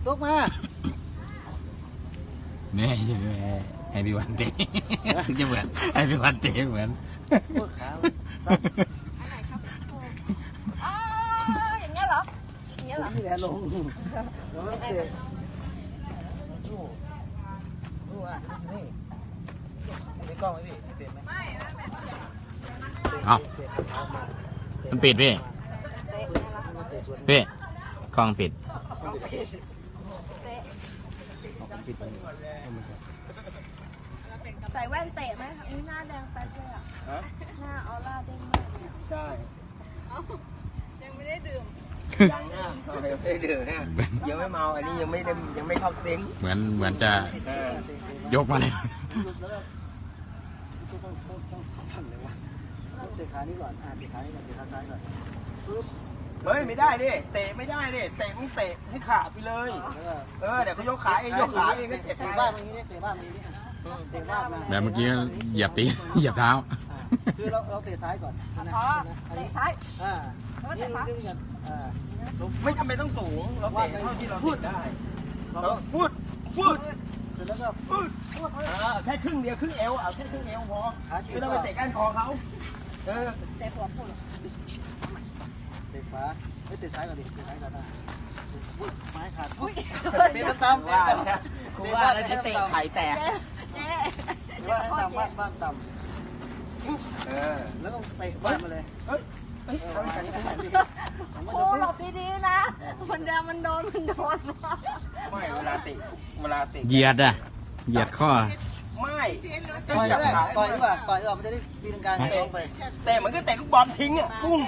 ตุ๊กมาเนี่ยให้พี่วันเตะจะเหมือนให้พี่วันเตะเหมือนพวกขาอันไหนครับอ๋ออย่างเงี้ยเหรออย่างเงี้ยเหรอนี่แหละลงแล้วเตะดูอ่ะนี่มีกล้องไหมพี่เปลี่ยนไหมเอามันปิดพี่กล้องปิดใส่แว่นเตะไหมอุ้ยหน้าแดงแป๊ดเลยอ่ะหน้าออร่าเด้งมากใช่ยังไม่ได้ดื่มยังไม่ได้ดื่มเนี่ยยังไม่เมาอันนี้ยังไม่เข้าเซ็งเหมือนจะยกมาเลยสั่นเลยวะเตะขานี้ก่อนเตะขานี้ก่อนเตะขาซ้ายก่อนเฮ้ยไม่ได้ดิเตะไม่ได้ดิเตะมึงเตะให้ขาดไปเลยเดี๋ยวก็ยกขาเองก็เจ็บบ้านตรงนี้เตะบ้านตรงนี้เตะบ้านมาแบบเมื่อกี้เหยียบเหยียบเท้าคือเราเตะซ้ายก่อนเตะซ้ายนี่ดูกันไม่จำเป็นต้องสูงเราเตะเท่าที่เราเตะได้เราฟุดเสร็จแล้วก็ฟุดแค่ครึ่งเดียวครึ่งเอวเอาแค่ครึ่งเอวพอไม่ต้องไปเตะก้านคอเขาเตะหัวปุ่นเตะขวาไม่เตะซ้ายก่อนดิเตะซ้ายก่อนนะไม้ขาดเตะตำครูว่าแล้วจะเตะไข่แตกว่าต่ำบ้านต่ำแล้วก็เตะบ้านมาเลยโอ้หลบดีๆนะมันโดนไม่เวลาเตะเหยียดข้อไม่ต่อยดีกว่ามันจะได้ปีนกลางแต่มันก็เตะลูกบอลทิ้งอ่ะกุ้ง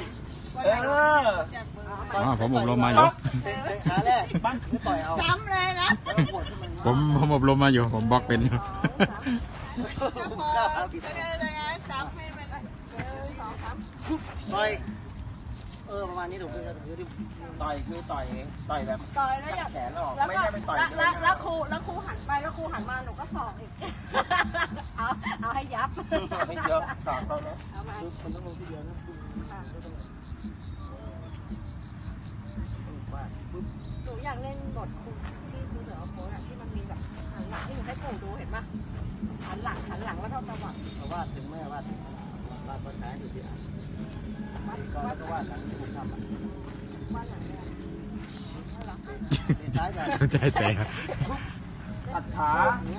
ผมอบรมมาอยู่ขาแรกบ้านไม่ต่อยเอาซ้ำเลยนะผมอบรมมาอยู่ผมบล็อกเป็นต่อยประมาณนี้ถูกไหมต่อยคือต่อยแบบแล้วแขนออกไม่ใช่เป็นต่อยแล้วครูหันไปแล้วครูหันมาหนูก็สอกอีกเอาให้ยับไม่เยอะสอกเขาเนาะมันต้องลงที่เดียวนะหนูอยากเล่นบทคุณที่ครูเสือโค้ดที่มันมีแบบหันหลังที่หนูให้ปู่ดูเห็นปะหันหลังแล้วเท่าตะวันวาดถึงแม่วาดต้นไม้อยู่ที่อ่างก็วาดหลังถูกทำวาดหลังเนี่ยซ้ายกันเข้าใจแต่ตัดขา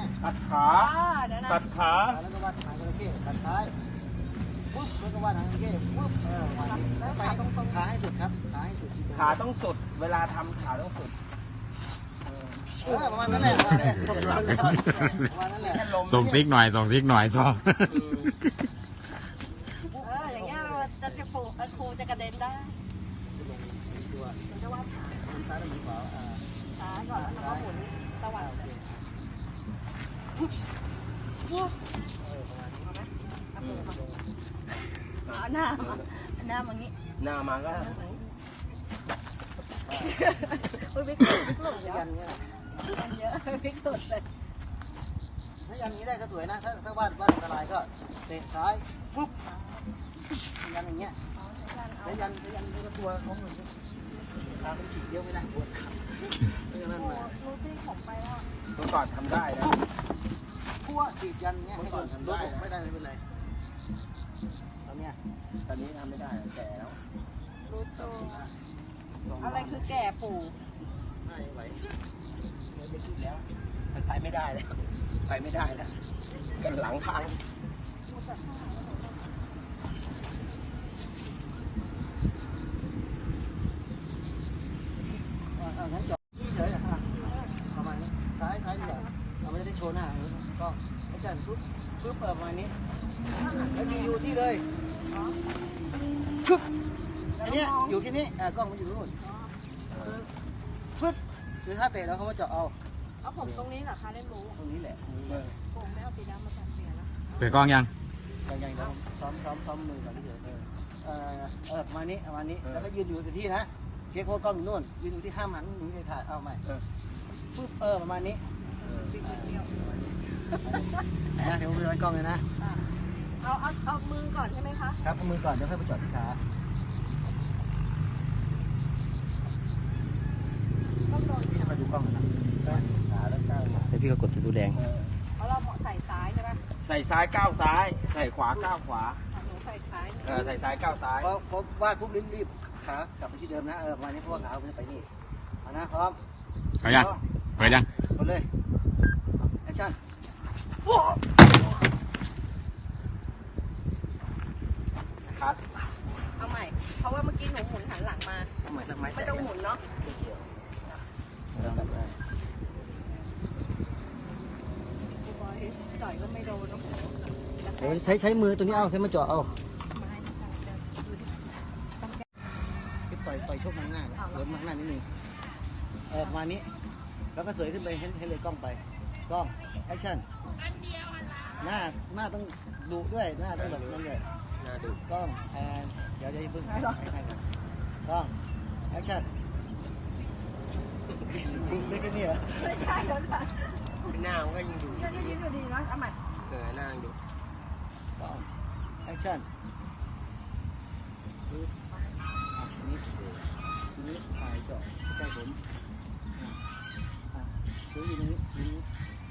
แล้วก็วาดหางจระเข้ตัดท้ายปุ๊บแล้วก็วาดหางจระเข้ปุ๊บไปต้องขาให้สุดครับขาให้สุดขาต้องสุดเวลาทำขาต้องสุดประมาณนั้นแหละประมาณนั้นแหละส่งซิกหน่อยซ้อมอย่างเงี้ยจะปูครูจะกระเด็นได้จะวาดขาซ้ายหรือขวาซ้ายก่อนแล้วก็หมุนตะวันหน้ามางี้หน้ามาก็วิกหลุดยันเยอะวิกหลุดเลยถ้ายันนี้ได้ก็สวยนะถ้าวาดอันตรายก็เตะซ้ายฟุ๊บยันอย่างเงี้ยแล้วยันก็ตัวเขาเหมือนขาเป็นฉีกเยอะไม่ได้ปวดขารู้สิผมไปแล้วตัวก่อนทำได้นะพั่วฉีดยันเงี้ยให้ก่อนทำได้ไม่ได้ไม่เป็นไรตอนนี้ทำไม่ได้แก่แล้วรู้ตัวอะไรคือแก่ปู่ไม่ไหวไม่คิดแล้วไปไม่ได้แล้วกันหลังทางงั้นจอดที่เฉยๆประมาณนี้ซ้ายดีกว่าเราไม่ได้โชว์หน้าก็ไม่ใช่ปุ๊บประมาณนี้แล้วอยู่ที่เลยชุบอันนี้อยู่ที่นี่กล้องมันอยู่นู่นชุบคือถ้าเตะแล้วเขาก็จะเอาผมตรงนี้เหรอคะเล่นรู้ตรงนี้แหละผมไม่เอาสีดำมาใส่เปลี่ยนแล้วเปลี่ยนกล้องยังซ้อมมือก่อนที่เดี๋ยวประมาณนี้แล้วก็ยืนอยู่ที่นะเก๊กว่ากล้องอยู่นู่นยืนอยู่ที่ห้ามหันหนีไปถ่ายเอาใหม่ปุ๊บประมาณนี้นะเดี๋ยวไปไว้กล้องเลยนะเอามือก่อนใช่ไหมคะครับเอามือก่อนแล้วค่อยไปจอดที่ขาต้องโดนมาดูกล้องนะพี่ก็กดตัวแดงเพราะเราใส่ซ้ายใช่ปะใส่ซ้ายก้าวซ้าย ใส่ขวาก้าวขวาหนูใส่ซ้ายใส่ซ้ายก้าวซ้ายเพราะวาดปุ๊บรีบขากลับไปที่เดิมนะประมาณนี้เพราะว่าขาผมจะไปนี่เอานะพร้อมเอายังไปยังกดเลยแอคชั่นคัดเอาใหม่ เพราะว่าเมื่อกี้หนูหมุนหันหลังมาทำไมทำไมไม่ต้องหมุนเนาะบอยต่อยก็ไม่โดนเนาะเดี๋ยวใช้มือตัวนี้เอาใช้มาเจาะเอาต่อยชกมันหน้าเสริมมันหน้านิดนึงประมาณนี้แล้วก็เสยขึ้นไปให้เลยกล้องไปกล้องแอคชั่นหน้าต้องดุด้วยหน้าต้องแบบนั่นเลยน่าดูกล้องเดี๋ยวเพิ่งให้ก่อนกล้องแอคชั่นดูได้แค่นี้เหรอไม่ใช่แล้วค่ะหน้ามันก็ยิ่งดูฉันก็ยิ้มอยู่ดีนะเอาใหม่หน้ายิ่งดูกล้องแอคชั่นทีนี้ถ่ายเจาะใกล้ผมดูอยู่นี้ทีนี้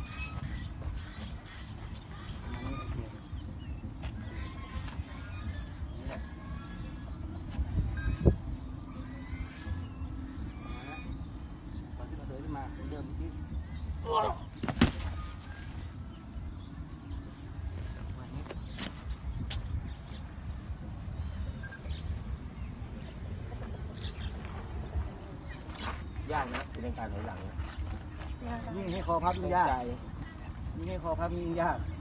ยากนะเป็นการถอยหลังยิ่งให้คอพับยิ่งยากยิ่งให้คอพับยิ่งยาก